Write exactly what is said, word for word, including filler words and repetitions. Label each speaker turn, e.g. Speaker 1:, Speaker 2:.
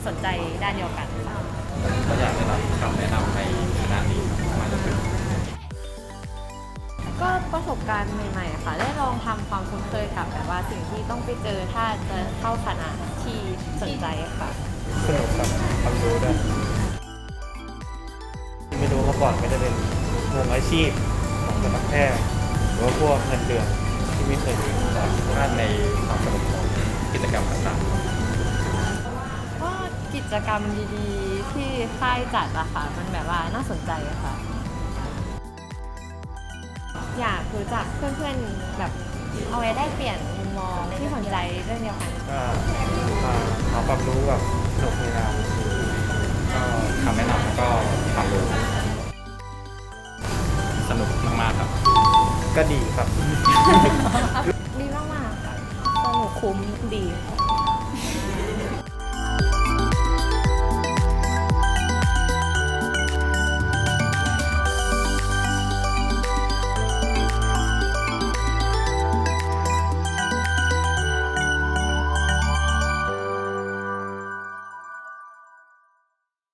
Speaker 1: สนใจด้านเดียวกันค่ะ
Speaker 2: ก็อยากได้รับคำแนะนำในคณะนี้มาจากคุณ
Speaker 1: ก็ประสบการณ์ใหม่ๆค่ะได้ลองทำความคุ้นเคยกับแบบว่าสิ่งที่ต้องไปเจอถ้าจะเข้าคณะที่สนใจค่ะ
Speaker 3: สนุกกับความรู้ด้วยไม่รู้มาก่อนก็จะเป็นวงอาชีพของคณะแพทย์หรือว่าพวกเงินเดือนที่ไม่เคยมีมาก่อน
Speaker 2: ด้านในความสนุกของกิจกรรมต่างๆ
Speaker 1: ก็กิจกรรมดีๆที่ค่ายจัดอะค่ะมันแบบว่าน่าสนใจค่ะอยากรู้จักเพื่อนๆแบบเอาไว้ได้เปลี่ยนมุมมองที่สนใจเรื่องเดียวกัน
Speaker 3: ก็มาหาความรู้กับสนุกในงาน
Speaker 2: ก็คำแนะนำแล้วก็ความรู้สนุกมากๆครับ
Speaker 3: ก็ดีครับ
Speaker 1: ดีมากๆค่ะสนุกคุ้มดีค่ะ